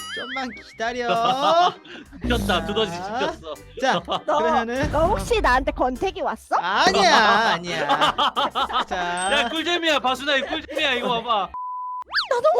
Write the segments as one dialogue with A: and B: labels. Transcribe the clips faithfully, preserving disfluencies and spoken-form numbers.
A: 좀만 기다려.
B: 시켰다. 두더지
A: 자.
B: 시켰어.
A: 자,
C: 너,
A: 그러면은
C: 너 혹시 나한테 권태기 왔어?
A: 아니야, 아니야.
B: 야
A: 자,
B: 꿀잼이야. 바순아 이 꿀잼이야. 이거 봐봐.
C: 나 너무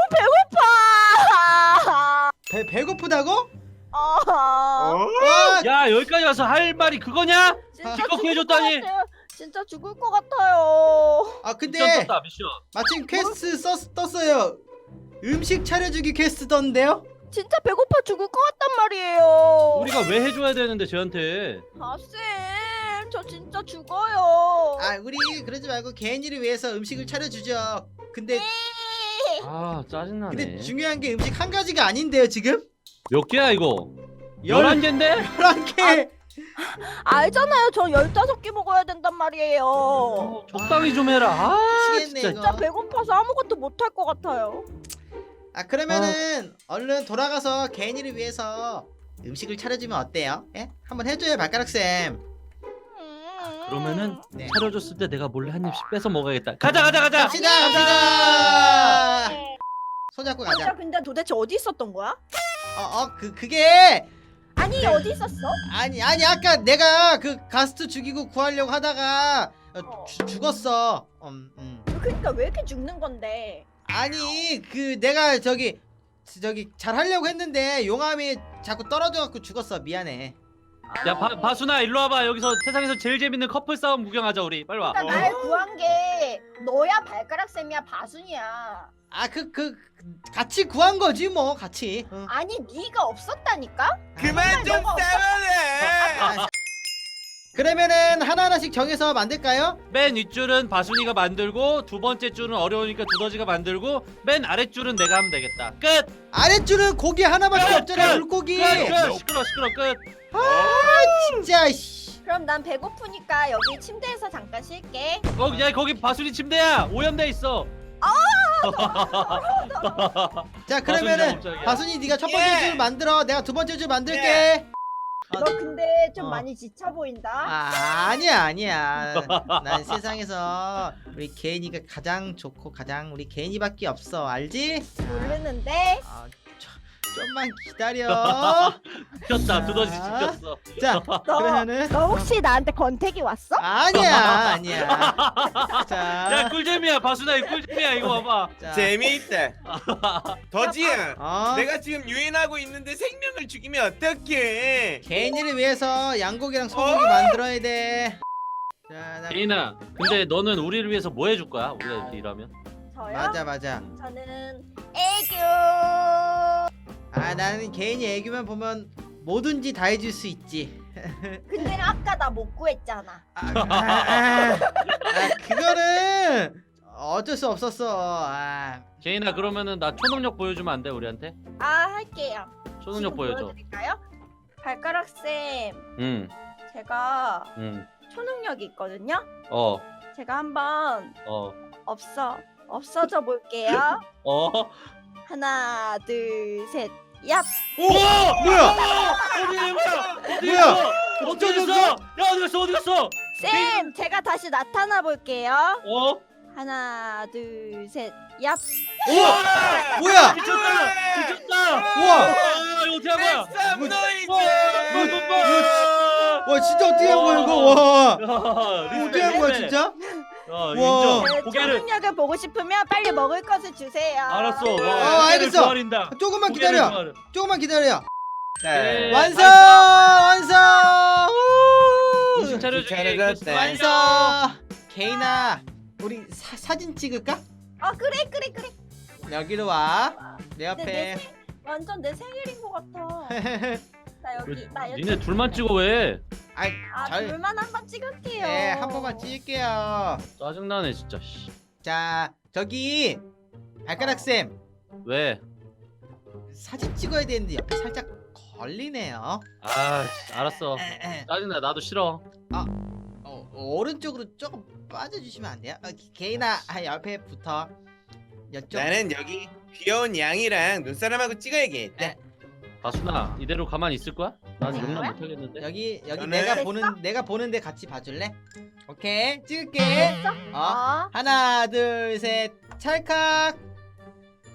C: 배고파.
A: 배 배고프다고?
C: 어.
A: 와,
B: 야 여기까지 와서 할 말이 그거냐?
C: 진짜
B: 기껏
C: 죽을
B: 해줬다니.
C: 것 같아요. 진짜 죽을 것 같아요.
A: 아
B: 미션
A: 근데
B: 떴다 미션.
A: 마침 퀘스트 썼, 떴어요. 음식 차려주기 퀘스트 떴는데요?
C: 진짜 배고파 죽을 것 같단 말이에요.
B: 우리가 왜 해줘야 되는데 쟤한테?
C: 아쌤, 저 진짜 죽어요.
A: 아, 우리 그러지 말고 개인이를 위해서 음식을 차려주죠. 근데
B: 아 짜증나네.
A: 근데 중요한 게 음식 한 가지가 아닌데요, 지금?
B: 몇 개야 이거?
A: 열-
B: 열한 개인데?
A: 열한 개.
C: 알잖아요. 저 열다섯 개 먹어야 된단 말이에요.
B: 어, 적당히 좀 해라. 아
A: 미치겠네,
B: 진짜.
A: 이거.
C: 진짜 배고파서 아무것도 못할 것 같아요.
A: 아, 그러면은 얼른 돌아가서 개인이를 위해서 음식을 차려주면 어때요? 예? 한번 해줘요, 발가락 쌤.
C: 음.
B: 그러면은
A: 네.
B: 차려줬을 때 내가 몰래 한 입씩 뺏어 먹어야겠다. 가자 가자 가자.
A: 갑시다, 갑시다. 손잡고
C: 진짜
A: 가자.
C: 근데 도대체 어디 있었던 거야?
A: 어, 어, 그 그게
C: 아니
A: 네.
C: 어디 있었어?
A: 아니 아니 아까 내가 그 가스트 죽이고 구하려고 하다가 어, 주, 죽었어. 음, 음.
C: 그러니까 왜 이렇게 죽는 건데?
A: 아니 그 내가 저기 저기 잘 하려고 했는데 용암이 자꾸 떨어져 갖고 죽었어. 미안해.
B: 야 바, 바순아 일로 와봐. 여기서 세상에서 제일 재밌는 커플 싸움 구경하자 우리. 빨리 와.
C: 그러니까 날 구한 게 너야 발가락 쌤이야 바순이야.
A: 아 그 그 같이 구한 거지 뭐 같이. 응.
C: 아니 네가 없었다니까?
D: 그만 좀
C: 너가 없어?
D: 싸워래.
A: 아, 그러면은 하나하나씩 정해서 만들까요?
B: 맨 윗줄은 바순이가 만들고 두 번째 줄은 어려우니까 두더지가 만들고 맨 아랫줄은 내가 하면 되겠다. 끝.
A: 아랫줄은 고기 하나밖에
B: 끝,
A: 없잖아.
B: 끝,
A: 물고기.
B: 끝. 끝. 시끄러 시끄러 끝.
A: 진짜 씨.
C: 그럼 난 배고프니까 여기 침대에서 잠깐 쉴게.
B: 어, 야 거기 바순이 침대야. 오염돼 있어.
A: 자,
B: 바순이
A: 그러면은
B: 작업장이야.
A: 바순이 네가 첫 번째
D: 예.
A: 줄 만들어. 내가 두 번째 줄 만들게.
C: 너 근데 좀
A: 어.
C: 많이 지쳐 보인다.
A: 아, 아니야, 아니야. 난 세상에서 우리 개인이가 가장 좋고 가장 우리 개인이밖에 없어. 알지?
C: 모르는데.
A: 아, 저, 좀만 기다려.
B: 시켰다. 두더지
A: 자.
B: 시켰어.
A: 자,
C: 너,
A: 그러면은
C: 너 혹시 나한테 권태기 왔어?
A: 아니야, 아니야.
B: 야
A: 자,
B: 꿀잼이야. 바순아 이 꿀잼이야. 이거 봐봐.
A: 자,
D: 재미있다. 더지야,
A: 어,
D: 내가 지금 유인하고 있는데 생명을 죽이면 어떡해?
A: 개인이를 위해서 양고기랑 소고기
D: 어?
A: 만들어야 돼. 자, 나,
B: 개인아. 근데 너는 우리를 위해서 뭐 해줄 거야? 우리가 이렇게 일하면?
C: 저요?
A: 맞아, 맞아.
C: 저는 애교.
A: 아, 나는 개인이 애교만 보면 뭐든지 다 해줄 수 있지.
C: 근데 아까 나 못 구했잖아.
A: 아, 아, 아, 아, 그거는 어쩔 수 없었어. 아,
B: 개인아 그러면은 나 초능력 보여주면 안 돼 우리한테?
C: 아 할게요.
B: 초능력
C: 지금
B: 보여줘.
C: 보여드릴까요? 발가락 쌤,
B: 응,
C: 제가
B: 응.
C: 초능력이 있거든요.
B: 어,
C: 제가 한번
B: 어,
C: 없어 없어져 볼게요.
B: 어.
C: 하나, 둘, 셋, 얍.
B: 우와!
A: 뭐야?
B: 어디 뭐야? 어디
A: 뭐야?
B: 있어? 어디
A: 어쩌-
B: 있어? 야 어디 갔어? 어디 갔어?
C: 쌤, 제가 다시 나타나 볼게요.
B: 어?
C: 하나, 둘, 셋, 얍.
B: 우와!
A: 뭐야?
B: 미쳤다! 미쳤다!
A: 우와!
B: 아 이거 어떻게 한 거야?
D: 쌈노이즈.
B: 와, 이거 봐!
A: 와, 진짜 어떻게 한 거야 이거? 와,
B: 야,
A: 어떻게 한 거야 진짜?
B: 어,
A: 와.
B: 인정.
C: 네,
B: 고개를
C: 초능력을 보고 싶으면 빨리 먹을 것을 주세요.
B: 알았어.
A: 어,
B: 와,
A: 알겠어.
B: 조아린다.
A: 조금만
B: 고개를
A: 기다려.
B: 조아려.
A: 조금만 기다려.
B: 네.
A: 완성! 완성! 우!
B: 음식 차려주기.
D: 잘해줬네.
A: 완성! 개인아, 우리 사, 사진 찍을까?
C: 아 그래 그래 그래.
A: 여기로 와. 내
C: 근데 내
A: 옆에.
C: 생, 완전 내 생일인 것 같아. 나 여기 나 여기.
B: 니네 둘만 찍어 왜?
A: 아이,
C: 아
A: 잘.
C: 둘만 한 번 찍을게요.
A: 네, 한 번만 찍을게요.
B: 짜증나네 진짜. 씨.
A: 자, 저기 발가락 쌤
B: 왜?
A: 사진 찍어야 되는데 옆에 살짝 걸리네요.
B: 아, 씨, 알았어.
A: 에, 에.
B: 짜증나. 나도 싫어.
A: 어, 오른쪽으로 조금 빠져주시면 안 돼요? 어, 개인아, 아, 옆에 붙어. 이쪽.
D: 나는 여기 귀여운 양이랑 눈사람하고 찍어야겠다.
A: 네.
B: 바순아, 이대로 가만히 있을 거야? 난
C: 네.
B: 용납 못 하겠는데.
A: 여기 여기
D: 저는-
A: 내가
C: 됐어?
A: 보는 내가 보는데 같이 봐줄래? 오케이, 찍을게.
C: 됐어?
A: 어,
C: 어.
A: 하나, 둘, 셋, 찰칵.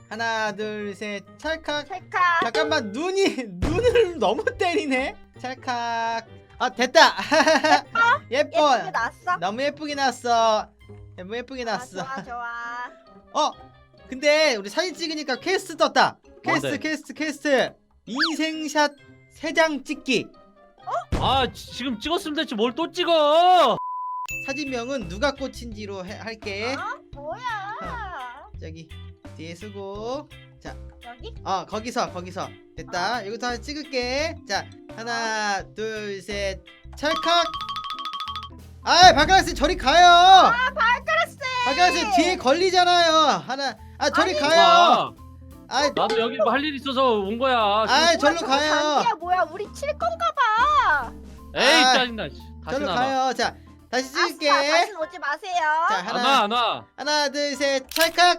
A: 하나 둘 셋 찰칵.
C: 찰칵.
A: 잠깐만 눈이 눈을 너무 때리네. 찰칵. 아 됐다. 예뻐.
C: 예쁘게 났어?
A: 너무 예쁘게 나왔어. 너무 예쁘게
C: 아,
A: 나왔어.
C: 좋아 좋아.
A: 어 근데 우리 사진 찍으니까 퀘스트 떴다. 퀘스트
B: 뭔데?
A: 퀘스트 퀘스트. 인생샷 세 장 찍기.
B: 아 지- 지금 찍었으면 됐지 뭘 또 찍어.
A: 사진명은 누가 꽂힌지로 해- 할게.
C: 어? 뭐야?
A: 저기 뒤에 쓰고.
C: 여기?
A: 어 거기서 거기서 됐다. 여기서 하나 찍을게. 자 하나 둘 셋 찰칵. 아 발가락쌤 저리 가요.
C: 아 발가락쌤.
A: 발가락쌤 뒤에 걸리잖아요. 하나 아 저리
C: 아니,
A: 가요.
B: 아,
A: 아
B: 나도 여기 뭐 할 일 있어서 온 거야.
A: 아 절로
C: 저거
A: 가요.
C: 단기야 뭐야? 우리 칠 건가 봐.
B: 에이
A: 아,
B: 짜증나. 씨. 다시
A: 절로
B: 나와.
A: 가요. 자 다시 찍을게.
C: 아싸, 다시 오지 마세요.
A: 자
B: 안 와
A: 하나
B: 안 와.
A: 하나 둘 셋 찰칵.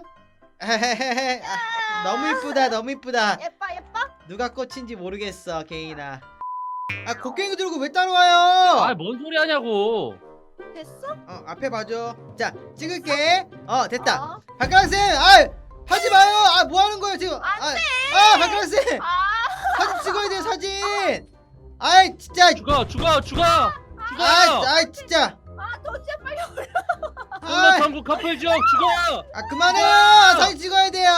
A: 아, 너무 이쁘다 너무 이쁘다.
C: 예뻐 예뻐.
A: 누가 꽂힌지 모르겠어 개인아. 아 곡괭이 들고 왜 따라와요?
B: 아뭔 소리 하냐고.
C: 됐어?
A: 어 앞에 봐줘. 자 찍을게. 어 됐다.
C: 어.
A: 발가락쌤 아 하지 마요. 아 뭐하는 거예요 지금. 아, 아 발가락쌤
C: 아.
A: 사진 찍어야 돼요 사진. 아이 진짜.
B: 죽어 죽어 죽어 죽어.
A: 아, 아 진짜.
C: 아 도대체 빨리 올라.
A: 아,
B: 한국 커플 지역 죽어.
A: 아 그만해요. 사진 찍어야 돼요.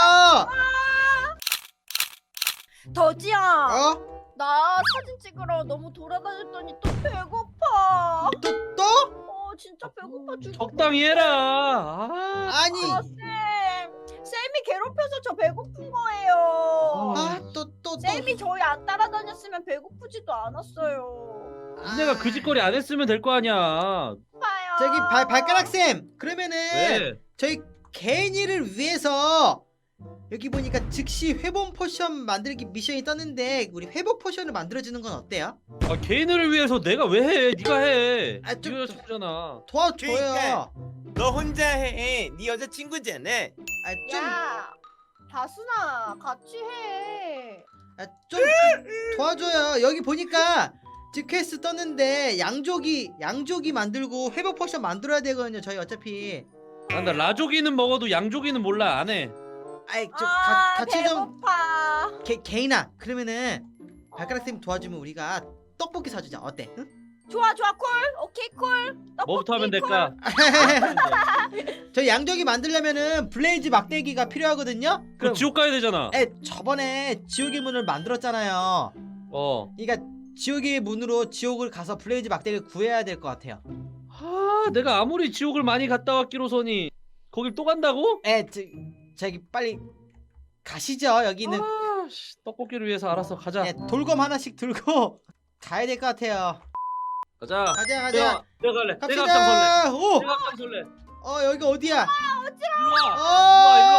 C: 더지야.
A: 어?
C: 나 사진 찍으러 너무 돌아다녔더니 또 배고파.
A: 또 또?
C: 어 진짜 배고파 죽.
B: 적당히 해라. 아,
A: 아니.
C: 아, 쌤. 쌤이 괴롭혀서 저 배고픈 거예요.
A: 아 또 또 또.
C: 쌤이 저희 안 따라다녔으면 배고프지도 않았어요.
A: 아,
B: 내가 그 짓거리 안 했으면 될 거 아니야.
C: 봐요.
A: 저기 발 발가락쌤 그러면은
B: 왜?
A: 저희 개인이를 위해서 여기 보니까 즉시 회복 포션 만들기 미션이 떴는데 우리 회복 포션을 만들어주는 건 어때요?
B: 아 개인을 위해서 내가 왜 해? 네가 해.
A: 아, 좀-
B: 네가 여자친구잖아.
A: 도와줘요.
D: 그러니까. 너 혼자 해. 네 여자친구잖아.
A: 아, 좀,
C: 야, 다순아 같이 해.
A: 아, 좀 도와줘요. 여기 보니까 지금 퀘스트 떴는데 양조기 양조기 만들고 회복 포션 만들어야 되거든요. 저희 어차피.
B: 난다 라조기는 먹어도 양조기는 몰라 안 해.
A: 아이 좀
C: 아,
A: 가, 같이 좀
C: 배고파.
A: 개, 개인아 그러면은 발가락쌤 도와주면 우리가 떡볶이 사주자. 어때? 응?
C: 좋아 좋아 콜. 오케이 콜. 떡볶이
B: 뭐부터 하면
C: 콜.
B: 될까?
A: 저희 양조기 만들려면은 블레이즈 막대기가 필요하거든요.
B: 그럼 지옥 가야 되잖아.
A: 에 저번에 지옥의 문을 만들었잖아요.
B: 어.
A: 그러니까 지옥의 문으로 지옥을 가서 블레이즈 막대기를 구해야 될 것 같아요.
B: 아 내가 아무리 지옥을 많이 갔다 왔기로서니 거길 또 간다고?
A: 에 저, 저기 빨리 가시죠. 여기는
B: 아, 씨, 떡볶이를 위해서 알았어 가자.
A: 예, 돌검 하나씩 들고 가야 될 것 같아요.
B: 가자.
A: 가자 가자.
B: 내가, 내가 갈래. 내가 앞장설래.
A: 갑시다. 오,
B: 내가 앞장설래.
A: 어 여기 어디야?
B: 일로 와.
A: 어,
B: 일로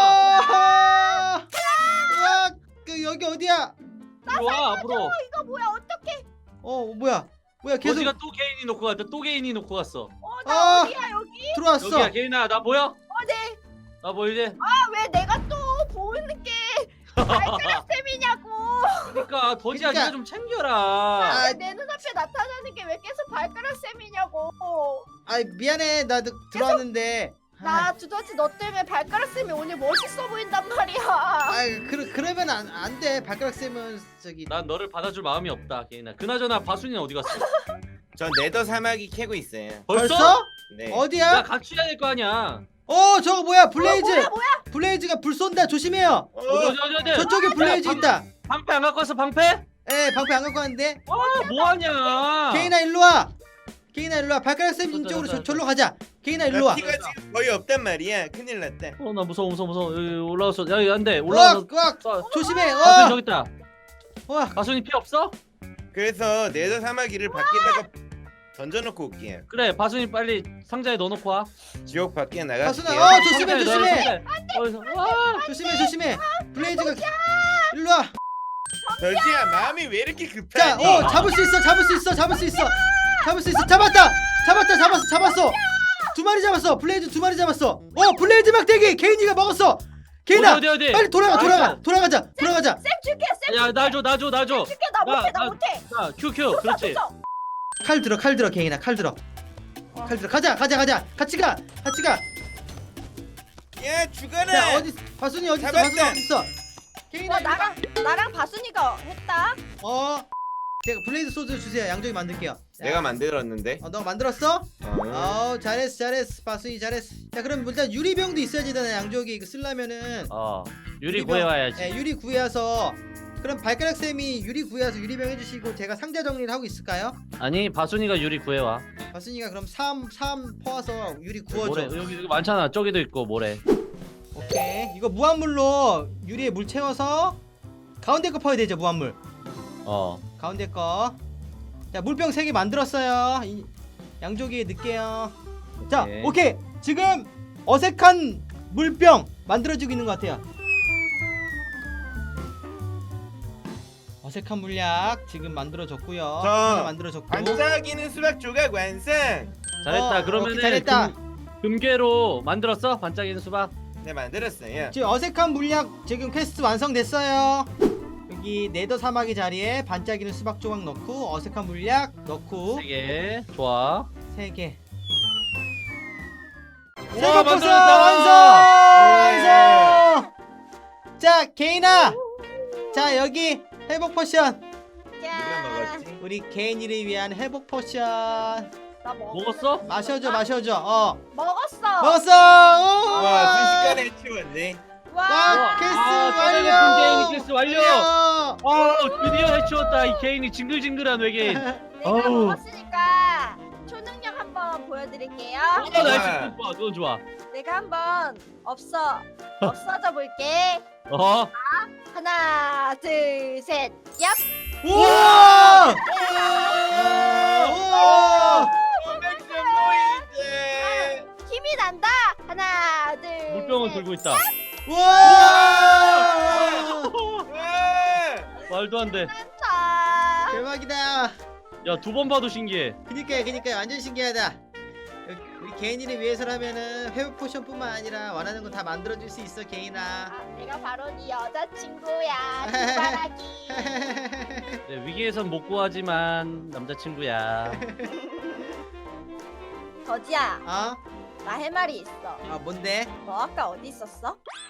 B: 와,
A: 우와, 그 여기 어디야?
B: 일로 와 앞으로.
C: 이거 뭐야 어떡해.
A: 어 뭐야? 뭐야 계속
B: 거지가 또 개인이 놓고 갔다. 또 개인이 놓고 갔어.
C: 어나
A: 아.
C: 어디야 여기.
A: 들어왔어.
B: 여기야 개인아 나 보여?
C: 어네.
B: 나 보이지?
C: 아 왜 내가 또 보이는 게 발가락 쌤이냐고.
B: 그러니까 더지야
A: 그러니까-
B: 네가 좀 챙겨라.
A: 아,
C: 왜 내 눈앞에 나타나는 게 왜 계속 발가락 쌤이냐고.
A: 아 미안해 나 드- 들어왔는데.
C: 나 두더지 너 때문에 발가락 쌤이 오늘 멋있어 보인단 말이야.
A: 아 그, 그러면 안, 안 돼. 발가락 쌤은 저기
B: 난 너를 받아줄 마음이 없다 개인아. 그나저나 바순이는 어디 갔어?
D: 전 네더 사마귀 캐고 있어요.
A: 벌써?
D: 네.
B: 나
A: 어디야?
B: 같이 해야 될 거 아니야.
A: 어 저거 뭐야 블레이즈.
C: 뭐야 뭐야.
A: 블레이즈가 불 쏜다. 조심해요.
D: 어,
B: 어디 어디 어디 어디.
A: 저쪽에 블레이즈
B: 방-
A: 있다.
B: 방패 안 갖고 왔어 방패?
A: 에 방패 안 갖고 왔는데.
B: 아 뭐하냐.
A: 개인아 일로 와. 개인아 일로 와. 발가락 쌤
B: 저, 저,
A: 인쪽으로
B: 저,
A: 저,
B: 저.
A: 절로 가자. 개인아 일로
D: 나
A: 와.
D: 피가 지금 거의 없단 말이야. 큰일 났다.
B: 어 나 무서워 무서워 무서워. 여기 올라왔어. 야 여기 안돼.
A: 와,
B: 올라와서.
A: 와, 조심해.
B: 바순이
A: 어,
B: 저기 있다.
A: 와.
B: 바순이 피 없어?
D: 그래서 네더 사마귀를 밖에다가 던져놓고 올게요.
B: 그래 바순이 빨리 상자에 넣어놓고 와.
D: 지옥 밖에
A: 바순아,
D: 나갈게요.
A: 어, 조심해,
B: 상자에 넣어,
A: 조심해.
B: 상자에. 어디서? 와.
A: 조심해, 조심해. 블레이즈가 일로 와.
D: 더지야 마음이 왜 이렇게
A: 자,
D: 급하니?
A: 어, 잡을 수 있어, 잡을 수 있어, 잡을 수 있어, 잡을 수 있어. 잡았다, 잡았다, 잡았어, 잡았어. 두 마리 잡았어. 블레이즈 두 마리 잡았어. 어, 블레이즈 막대기 개인이가 먹었어. 개인아,
B: 어디 어디 어디?
A: 빨리 돌아가, 돌아가,
B: 알았어.
A: 돌아가자, 돌아가자.
C: 쌤 줄게 쌤.
B: 야 나 줘 나 줘 나 줘.
C: 줄게 나
B: 나,
C: 못해 나
B: 나-
C: 못해.
B: 자 큐큐 그렇지.
C: 줬어.
A: 칼 들어, 칼 들어, 개인아, 칼 들어. 칼 들어. 가자, 가자, 가자. 같이 가, 같이 가.
D: 야 죽어라.
A: 자 어디 바순이 어디 있어?
D: 잡았다.
A: 바순이 어디 있어? 케인아
C: 어 나랑 나랑 바순이가 했다.
A: 어 제가 블레이드 소드 주세요. 양쪽이 만들게요. 자,
D: 내가 만들었는데.
A: 어, 너 만들었어?
D: 어.
A: 어 잘했어 잘했어 바순이 잘했어. 자 그럼 일단 유리병도 있어야지 되잖아. 양쪽이 이거 쓰려면은
B: 어 유리
A: 유리병.
B: 구해와야지.
A: 네, 유리 구해와서 그럼 발가락 쌤이 유리 구해와서 유리병 해주시고 제가 상자 정리를 하고 있을까요?
B: 아니 바순이가 유리 구해와.
A: 바순이가 그럼 삼, 삼 퍼와서 유리 구워줘.
B: 모래 여기 여기 많잖아. 저기도 있고 모래.
A: 오케이 이거 무한물로 유리에 물 채워서 가운데 거 퍼야 되죠. 무한물
B: 어.
A: 가운데 거. 자 물병 세 개 만들었어요. 이, 양조기에 넣을게요. 자
B: 오케이.
A: 오케이 지금 어색한 물병 만들어지고 있는 것 같아요. 어색한 물약 지금 만들어졌고요.
D: 자,
A: 하나 만들어졌고.
D: 반짝이는 수박 조각 완성.
B: 잘했다.
A: 어,
B: 그러면은
A: 오케이, 잘했다.
B: 금, 금괴로 만들었어? 반짝이는 수박.
D: 네 만들었어요.
A: 지금 어색한 물약 지금 퀘스트 완성됐어요. 여기 네더 사마귀 자리에 반짝이는 수박 조각 넣고 어색한 물약 넣고
B: 세 개. 좋아.
A: 세 개.
B: 와,
A: 세번 포션
B: 만들었다.
A: 완성!
D: 예.
A: 완성! 자 개인아, 자 여기 회복 포션.
D: 누가 먹었지?
A: 우리 개인이를 위한 회복 포션.
C: 나 먹.
B: 먹었어?
A: 마셔줘 마셔줘. 어
C: 먹었어.
A: 먹었어. 오!
D: 와 순식간에 치웠네.
C: 와.
A: 와 퀘스트
B: 아,
A: 완료.
B: 개인이 퀘스트 완료.
A: 완료.
B: 아 드디어 해치웠다. 이 개인이 징글징글한 외계인.
C: 내가
B: 어우.
C: 먹었으니까 초능력 한번 보여드릴게요.
B: 어, 나이스. 좋아. 그건 좋아.
C: 내가 한번 없어 없어져 볼게.
B: 어?
C: 하나, 둘, 셋, 얍.
A: 우와! 우와!
D: 오백점 보이지.
C: 힘이 난다. 하나, 둘.
B: 물병을
C: 셋.
B: 들고 있다.
A: 우와!
D: 와.
B: 말도 안 돼.
C: 난다.
A: 대박이다.
B: 야, 두 번 봐도 신기해.
A: 그니까요, 그니까요, 완전 신기하다. 여기 우리 개인이를 위해서라면은 회복 포션뿐만 아니라 원하는 거 다 만들어줄 수 있어, 개인아.
C: 아, 내가 바로 네 여자친구야. 두바라기.
B: 네, 위기에선 못 구하지만 남자친구야.
C: 더지야,
A: 어?
C: 나 할 말이 있어.
A: 아 뭔데?
C: 너 아까 어디 있었어?